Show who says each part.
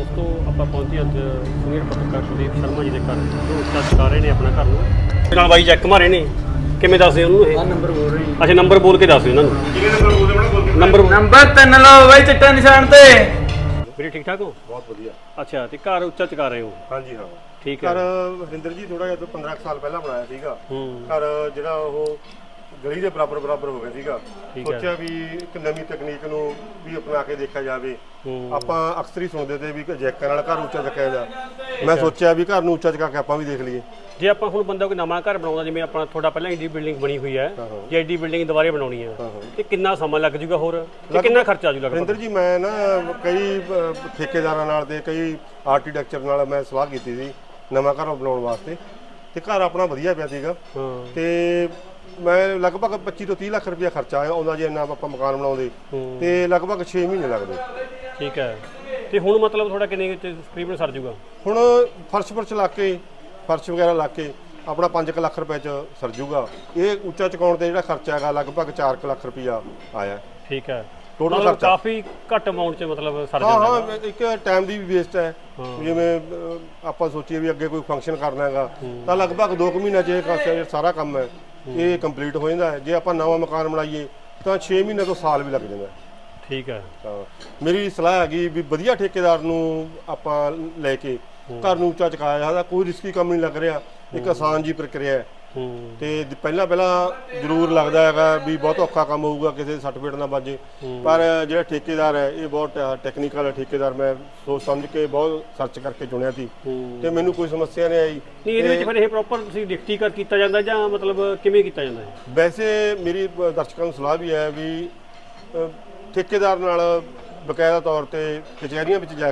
Speaker 1: ਦੋਸਤੋ ਆਪਾਂ ਪਹੁੰਚੇ ਅੱਜ ਸੀਨੀਅਰ ਪੱਤਰਕਾਰ ਕੁਲਦੀਪ ਸ਼ਰਮਾ ਜੀ ਦੇ ਘਰ ਜੋ ਉੱਚਾ ਚੁਕਾ ਰਹੇ ਨੇ ਆਪਣਾ ਘਰ ਨੂੰ ਨਾਲ ਬਾਈ ਚੈੱਕ ਮਾਰੇ ਨੇ ਕਿਵੇਂ ਦੱਸਦੇ ਉਹਨੂੰ ਇਹ
Speaker 2: ਨੰਬਰ ਬੋਲ ਰਹੀ
Speaker 1: ਅੱਛਾ ਨੰਬਰ ਬੋਲ ਕੇ ਦੱਸ ਇਹਨਾਂ ਨੂੰ
Speaker 3: ਕਿਹਨੇ ਨੰਬਰ ਬੋਲਦੇ ਬਣਾ
Speaker 2: ਨੰਬਰ 3 ਲਓ ਬਾਈ ਚਿੱਟੇ ਨਿਸ਼ਾਨ ਤੇ
Speaker 1: ਵੀਰੇ ਠੀਕ ਠਾਕ ਹੋ
Speaker 3: ਬਹੁਤ ਵਧੀਆ।
Speaker 1: ਅੱਛਾ ਤੇ ਘਰ ਉੱਚਾ ਚੁਕਾ ਰਹੇ ਹੋ
Speaker 3: ਹਾਂਜੀ ਹਾਂ
Speaker 1: ਠੀਕ ਹੈ
Speaker 3: ਘਰ ਹਰਿੰਦਰ ਜੀ ਥੋੜਾ ਜਿਹਾ 15 ਸਾਲ ਪਹਿਲਾਂ ਬਣਾਇਆ ਸੀਗਾ
Speaker 1: ਹੂੰ
Speaker 3: ਘਰ ਜਿਹੜਾ ਉਹ ਗਲੀ ਦੇ ਬਰਾਬਰ ਹੋ ਗਿਆ ਸੀਗਾ।
Speaker 1: ਠੀਕ ਹੈ।
Speaker 3: ਸੋਚਿਆ ਵੀ ਇੱਕ ਨਵੀਂ ਤਕਨੀਕ ਨੂੰ ਵੀ ਅਪਣਾ ਕੇ ਦੇਖਿਆ ਜਾਵੇ। ਆਪਾਂ ਅਕਸਰ ਹੀ ਸੁਣਦੇ ਤੇ ਵੀ ਜੈਕਾਂ ਨਾਲ ਘਰ ਉੱਚਾ ਚੱਕਿਆ ਜਾਂਦਾ। ਮੈਂ ਸੋਚਿਆ ਵੀ ਘਰ ਨੂੰ ਉੱਚਾ ਚੁਕਾ ਕੇ ਆਪਾਂ ਵੀ ਦੇਖ ਲਈਏ।
Speaker 1: ਜੇ ਆਪਾਂ ਹੁਣ ਬੰਦਾ ਕੋਈ ਨਵਾਂ ਘਰ ਬਣਾਉਂਦਾ ਜਿਵੇਂ ਆਪਣਾ ਤੁਹਾਡਾ ਪਹਿਲਾਂ ਏਡੀ ਬਿਲਡਿੰਗ ਬਣੀ ਹੋਈ ਹੈ ਜੇ ਏਡੀ ਬਿਲਡਿੰਗ ਦੁਬਾਰੇ ਬਣਾਉਣੀ ਹੈ ਤੇ ਕਿੰਨਾ ਸਮਾਂ ਲੱਗ ਜੂਗਾ ਹੋਰ ਤੇ ਕਿੰਨਾ ਖਰਚਾ ਆ ਜੂਗਾ
Speaker 3: ਹਰਿੰਦਰ ਜੀ ਮੈਂ ਨਾ ਕਈ ਠੇਕੇਦਾਰਾਂ ਨਾਲ ਤੇ ਕਈ ਆਰਕੀਟੈਕਚਰ ਨਾਲ ਮੈਂ ਸਲਾਹ ਕੀਤੀ ਸੀ ਨਵਾਂ ਘਰ ਬਣਾਉਣ ਵਾਸਤੇ ਤੇ ਘਰ ਆਪਣਾ ਵਧੀਆ ਪਿਆ ਸੀਗਾ ਤੇ ਮੈਂ ਲਗਭਗ 25 ਤੋਂ 30 ਲੱਖ ਰੁਪਇਆ ਖਰਚਾ ਆਉਂਦਾ ਜੇ ਇੰਨਾ ਆਪਾਂ ਮਕਾਨ ਬਣਾਉਂਦੇ ਤੇ ਲਗਭਗ 6 ਮਹੀਨੇ ਲੱਗਦੇ।
Speaker 1: ਠੀਕ ਹੈ ਤੇ ਹੁਣ ਮਤਲਬ ਤੁਹਾਡਾ ਕਿੰਨੇ ਤਕਰੀਬਨ ਸਰ ਜੂਗਾ
Speaker 3: ਹੁਣ ਫਰਸ਼ ਲਾ ਕੇ ਫਰਸ਼ ਵਗੈਰਾ ਲਾ ਕੇ ਆਪਣਾ 5 ਲੱਖ ਰੁਪਏ ਚ ਸਰ ਜੂਗਾ। ਇਹ ਉੱਚਾ ਚੁਕਾਉਣ ਤੇ ਜਿਹੜਾ ਖਰਚਾ ਹੈਗਾ ਲਗਭਗ 4 ਲੱਖ ਰੁਪਇਆ ਆਇਆ।
Speaker 1: ਠੀਕ ਹੈ
Speaker 3: ਟੋਟਲ
Speaker 1: ਮਤਲਬ
Speaker 3: ਖਰਚਾ
Speaker 1: ਕਾਫੀ ਘੱਟ ਅਮਾਉਂਟ ਚ ਮਤਲਬ ਸਰ
Speaker 3: ਹਾਂ
Speaker 1: ਜਾਂਦਾ
Speaker 3: ਹਾਂ ਇੱਕ ਟਾਈਮ ਦੀ ਵੀ ਵੇਸਟ ਹੈ। ਜਿਵੇਂ ਆਪਾਂ ਸੋਚੀਏ ਵੀ ਅੱਗੇ ਕੋਈ ਫੰਕਸ਼ਨ ਕਰਨਾ ਹੈਗਾ ਤਾਂ ਲਗਭਗ 2 ਮਹੀਨਿਆਂ 'ਚ ਇਹ ਸਾਰਾ ਕੰਮ ਹੈ ਇਹ ਕੰਪਲੀਟ ਹੋ ਜਾਂਦਾ ਹੈ। ਜੇ ਆਪਾਂ ਨਵਾਂ ਮਕਾਨ ਬਣਾਈਏ ਤਾਂ 6 ਮਹੀਨੇ ਤੋਂ ਸਾਲ ਵੀ ਲੱਗ ਜਾਂਦਾ।
Speaker 1: ਠੀਕ ਹੈ
Speaker 3: ਤਾਂ ਮੇਰੀ ਸਲਾਹ ਹੈਗੀ ਵੀ ਵਧੀਆ ਠੇਕੇਦਾਰ ਨੂੰ ਆਪਾਂ ਲੈ ਕੇ ਘਰ ਨੂੰ ਉੱਚਾ ਚੁਕਾਇਆ ਜਾਂਦਾ। ਕੋਈ ਰਿਸਕੀ ਕੰਮ ਨਹੀਂ ਲੱਗ ਰਿਹਾ, ਇੱਕ ਆਸਾਨ ਜੀ ਪ੍ਰਕਿਰਿਆ ਹੈ। ਤੇ ਪਹਿਲਾਂ ਜ਼ਰੂਰ ਲੱਗਦਾ ਹੈਗਾ ਵੀ ਬਹੁਤ ਔਖਾ ਕੰਮ ਹੋਊਗਾ ਕਿਸੇ ਸਰਟੀਫਿਕੇਟ ਨਾ ਵੱਜੇ, ਪਰ ਜਿਹੜਾ ਠੇਕੇਦਾਰ ਹੈ ਇਹ ਬਹੁਤ ਟੈਕਨੀਕਲ ਠੇਕੇਦਾਰ। ਮੈਂ ਸੋਚ ਸਮਝ ਕੇ ਬਹੁਤ ਸਰਚ ਕਰਕੇ ਚੁਣਿਆ ਸੀ ਤੇ ਮੈਨੂੰ ਕੋਈ ਸਮੱਸਿਆ ਨਹੀਂ ਆਈ।
Speaker 1: ਨਹੀਂ ਇਹਦੇ ਵਿੱਚ ਫਿਰ ਇਹ ਪ੍ਰੋਪਰ ਤੁਸੀਂ ਡਿਕਟੀਕਰ ਕੀਤਾ ਜਾਂਦਾ ਜਾਂ ਮਤਲਬ ਕਿਵੇਂ ਕੀਤਾ ਜਾਂਦਾ ਹੈ?
Speaker 3: ਵੈਸੇ ਮੇਰੀ ਦਰਸ਼ਕਾਂ ਨੂੰ ਸਲਾਹ ਵੀ ਹੈ ਵੀ ਠੇਕੇਦਾਰ ਨਾਲ ਬਕਾਇਦਾ ਤੌਰ ਤੇ ਕਚਹਿਰੀਆਂ ਵਿੱਚ ਜਾ